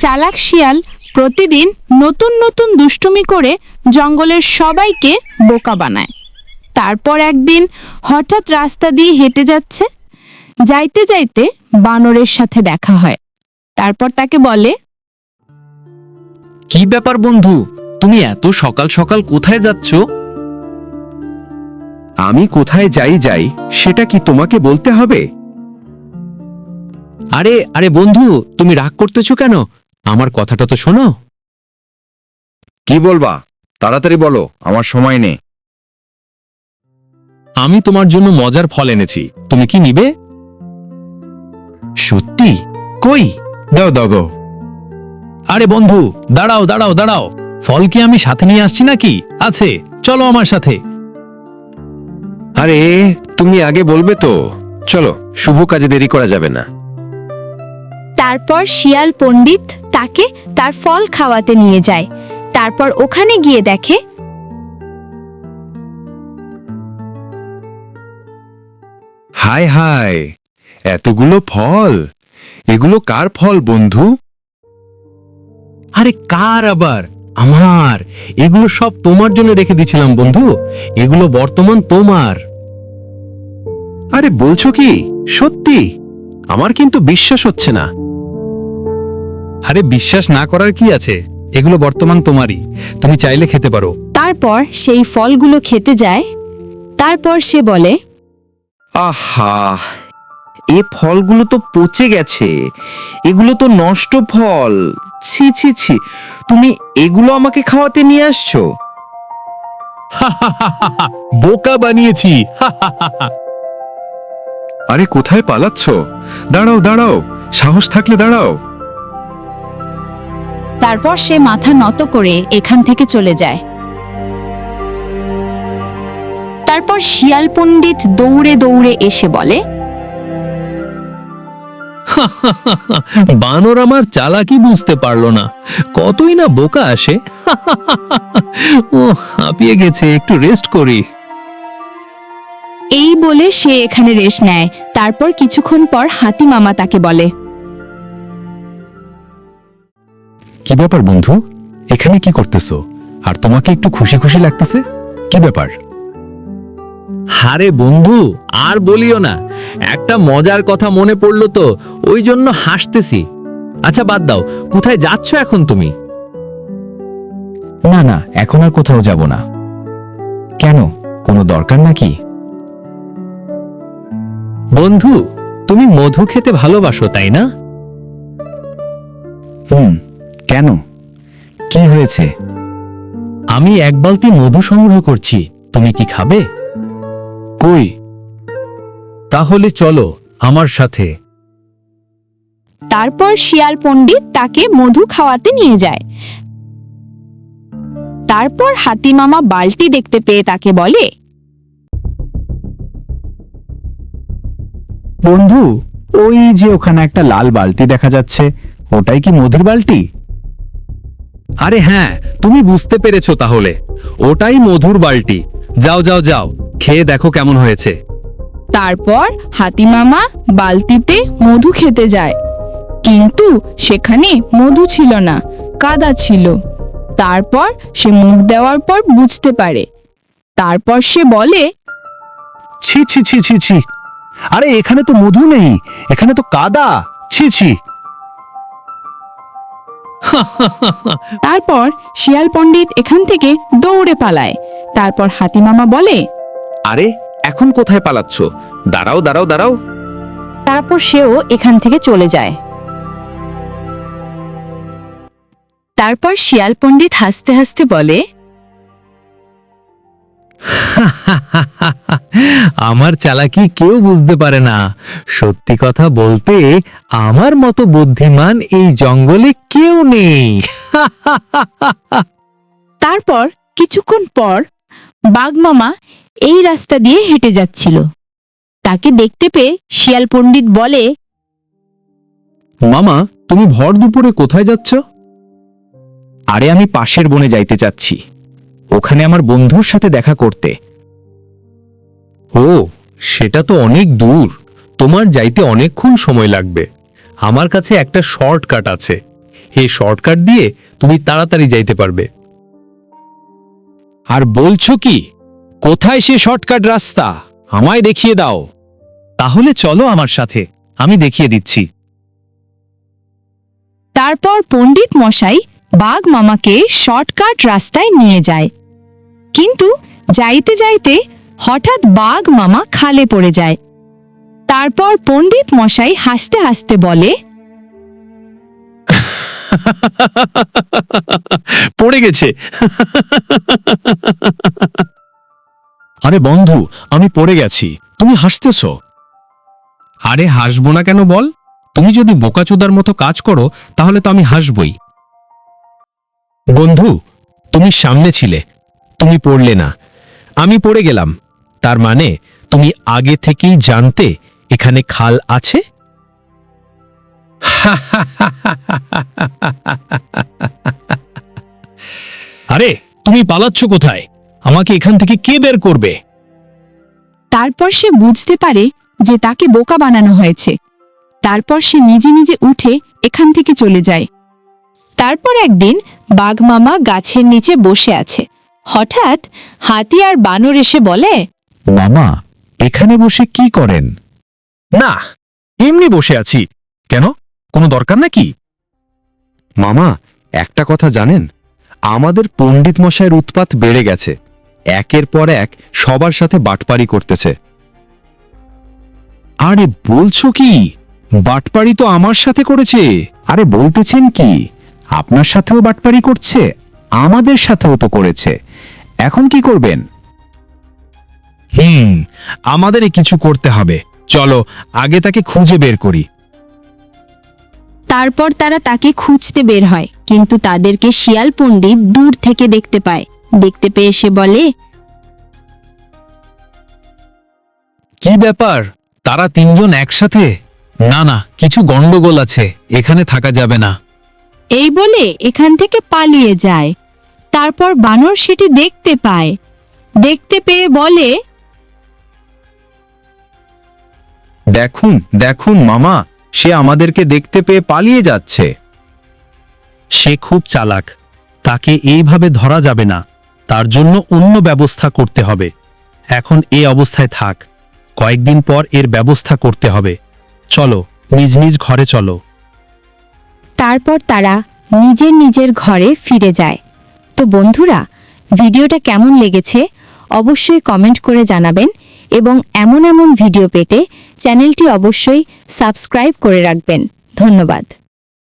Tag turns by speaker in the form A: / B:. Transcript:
A: চালাক শিয়াল প্রতিদিন নতুন নতুন দুষ্টুমি করে জঙ্গলের সবাইকে বোকা বানায়। তারপর একদিন হঠাৎ রাস্তা দিয়ে হেঁটে যাচ্ছে, যাইতে যাইতে বানরের সাথে দেখা হয়। তারপর তাকে বলে,
B: কি ব্যাপার বন্ধু, তুমি এত সকাল সকাল কোথায় যাচ্ছ?
C: আমি কোথায় যাই সেটা কি তোমাকে বলতে হবে?
B: আরে আরে বন্ধু, তুমি রাগ করতেছো কেন? আমার কথাটা তো শোনো।
C: কি বলবা? তাড়াতাড়ি বলো, আমার সময় নেই।
B: আমি তোমার জন্য মজার ফল এনেছি, তুমি কি নিবে?
C: সত্যি? কই, দাও দাও গো।
B: আরে বন্ধু, দাঁড়াও দাঁড়াও দাঁড়াও, ফল কি আমি সাথে নিয়ে আসছি নাকি? আছে, চলো আমার সাথে।
C: আরে তুমি আগে বলবে তো। চলো, শুভ কাজে দেরি করা যাবে না।
A: তারপর শিয়াল পণ্ডিত তাকে তার ফল খাওয়াতে নিয়ে যায়। তারপর ওখানে গিয়ে দেখে
C: হায় হায়, এতগুলো ফল! এগুলো কার ফল বন্ধু?
B: আরে কার আবার? আমার। এগুলো সব তোমার জন্য রেখে দিয়েছিলাম বন্ধু, এগুলো বর্তমান তোমার।
C: আরে বলছো কি? সত্যি? আমার কিন্তু বিশ্বাস হচ্ছে না।
B: আরে বিশ্বাস না করার কি আছে, এগুলো বর্তমান তোমারই, তুমি চাইলে খেতে পারো।
A: তারপর সেই ফলগুলো খেতে যায়। তারপর সে বলে,
D: আহা, এ ফলগুলো তো পচে গেছে, এগুলো তো নষ্ট ফল। ছি ছি ছি, তুমি এগুলো আমাকে খাওয়াতে নিয়ে আসছো?
B: বোকা বানিয়েছি।
C: আরে কোথায় পালাচ্ছ? দাঁড়াও দাঁড়াও, সাহস থাকলে দাঁড়াও।
A: তারপর সে মাথা নত করে এখান থেকে চলে যায়। তারপর শিয়াল পণ্ডিত দৌড়ে দৌড়ে এসে বলে,
B: বানর আমার চালাকি বুঝতে পারলো না, কতই না বোকা আসে। ও হাঁপিয়ে গেছে, একটু রেস্ট করি।
A: এই বলে সে এখানে রেস্ট নেয়। তারপর কিছুক্ষণ পর হাতি মামা তাকে বলে,
E: কি ব্যাপার বন্ধু, এখানে কি করতেছো? আর তোমাকে একটু খুশি খুশি লাগতেছে, কি ব্যাপার?
B: হারে বন্ধু, আর বলিও না, একটা মজার কথা মনে পড়লো তো, ওই জন্য হাসতেছি। আচ্ছা বাদ দাও, কোথায় যাচ্ছ এখন তুমি?
E: না না, এখন আর কোথাও যাব না। কেন, কোনো দরকার নাকি?
B: বন্ধু, তুমি মধু খেতে ভালোবাসো তাই না?
E: কেন, কি হয়েছে?
B: আমি এক বালতি মধু সংগ্রহ করছি, তুমি কি খাবে?
E: কই?
B: তাহলে চলো আমার সাথে।
A: তারপর শিয়াল পণ্ডিত তাকে মধু খাওয়াতে নিয়ে যায়। তারপর হাতি মামা বালতি দেখতে পেয়ে তাকে বলে,
E: বন্ধু, ওই যে ওখানে একটা লাল বালতি দেখা যাচ্ছে, ওটাই কি মধুর বালতি?
B: আরে হ্যাঁ, তুমি বুঝতে পেরেছো তাহলে, ওটাই মধুর বালতি। যাও যাও যাও, খেয়ে দেখো কেমন হয়েছে।
A: তারপর হাতি মামা বালতিতে মধু খেতে যায়, কিন্তু সেখানে মধু ছিল না, কাদা ছিল। তারপর সে মুখ দেওয়ার পর বুঝতে পারে। তারপর সে বলে,
E: ছি ছি ছি ছি ছি, আরে এখানে তো মধু নেই, এখানে তো কাদা, ছি ছি।
A: তারপর শিয়াল পণ্ডিত এখান থেকে দৌড়ে পালায়। তারপর হাতি মামা বলে,
D: আরে এখন কোথায় পালাচ্ছ? দাঁড়াও দাঁড়াও দাঁড়াও।
A: তারপর সেও এখান থেকে চলে যায়। তারপর শিয়াল পণ্ডিত হাসতে হাসতে বলে,
B: আমার চালাকি কেউ বুঝতে পারে না। সত্যি কথা বলতে, আমার মতো বুদ্ধিমান এই জঙ্গলে কেউ নেই।
A: তারপর কিছুক্ষণ পর বাঘ মামা এই রাস্তা দিয়ে হেঁটে যাচ্ছিল। তাকে দেখতে পেয়ে শিয়াল পণ্ডিত বলে,
B: মামা, তুমি ভর দুপুরে কোথায় যাচ্ছ?
E: আরে আমি পাশের বনে যাইতে চাচ্ছি, ওখানে আমার বন্ধুর সাথে দেখা করতে।
B: ও, সেটা তো অনেক দূর, তোমার যাইতে অনেকক্ষণ সময় লাগবে। আমার কাছে একটা শর্টকাট আছে, এই শর্টকাট দিয়ে তুমি তাড়াতাড়ি যাইতে পারবে।
E: আর বলছো কি, কোথায় সে শর্টকাট রাস্তা? আমায় দেখিয়ে দাও।
B: তাহলে চলো আমার সাথে, আমি দেখিয়ে দিচ্ছি।
A: তারপর পণ্ডিত মশাই বাঘ মামাকে শর্টকাট রাস্তায় নিয়ে যায়। কিন্তু যাইতে যাইতে হঠাৎ বাঘ মামা খালে পড়ে যায়। তারপর পণ্ডিত মশাই হাসতে হাসতে বলে,
B: পড়ে গেছে।
E: আরে বন্ধু, আমি পড়ে গেছি, তুমি হাসতেছো।
C: আরে হাসবো না কেন বল? তুমি যদি বোকাচোদার মতো কাজ করো তাহলে তো আমি হাসবই।
E: বন্ধু, তুমি সামনে ছিলে, তুমি পড়লে না, আমি পড়ে গেলাম। তার মানে তুমি আগে থেকেই জানতে এখানে খাল আছে? আরে তুমি পালাচ্ছ কোথায়? আমাকে এখান থেকে কে বের করবে?
A: তারপর সে বুঝতে পারে যে তাকে বোকা বানানো হয়েছে। তারপর সে নিজে নিজে উঠে এখান থেকে চলে যায়। তারপর একদিন বাঘ মামা গাছের নিচে বসে আছে। হঠাৎ হাতি আর বানর এসে বলে,
E: মামা, এখানে বসে কি করেন? না, এমনি বসে আছি। কেন, কোনো দরকার নাকি?
F: মামা, একটা কথা জানেন, আমাদের পণ্ডিত মশাইয়ের উৎপাত বেড়ে গেছে। একের পর এক সবার সাথে বাটপারি করতেছে।
E: আরে বলছো কি? বাটপারি তো আমার সাথে করেছে। আরে বলতেছেন কি, আপনার সাথেও বাটপারি করছে, আমাদের সাথেও তো করেছে। এখন কি করবেন? আমাদেরই কিছু করতে হবে। চলো আগে তাকে খুঁজে বের করি।
G: তারপর তারা তাকে খুঁজতে বের হয়, কিন্তু তাদেরকে শিয়াল পণ্ডিত দূর থেকে দেখতে পায়। দেখতে পেয়ে সে বলে,
B: কি ব্যাপার, তারা তিনজন একসাথে? না না, কিছু গন্ডগোল আছে, এখানে থাকা যাবে না।
A: এই বলে এখান থেকে পালিয়ে যায়। তারপর বানর সেটি দেখতে পায়। দেখতে পেয়ে বলে,
F: দেখুন দেখুন মামা, সে আমাদেরকে দেখতে পেয়ে পালিয়ে যাচ্ছে।
E: সে খুব চালাক, তাকে এইভাবে ধরা যাবে না। তার জন্য অন্য ব্যবস্থা করতে হবে। এখন এই অবস্থায় থাক, কয়েকদিন পর এর ব্যবস্থা করতে হবে। চলো নিজ নিজ ঘরে চলো।
G: তারপর তারা নিজের নিজের ঘরে ফিরে যায়। তো বন্ধুরা, ভিডিওটা কেমন লেগেছে অবশ্যই কমেন্ট করে জানাবেন, এবং এমন এমন ভিডিও পেতে চ্যানেলটি অবশ্যই সাবস্ক্রাইব করে রাখবেন। ধন্যবাদ।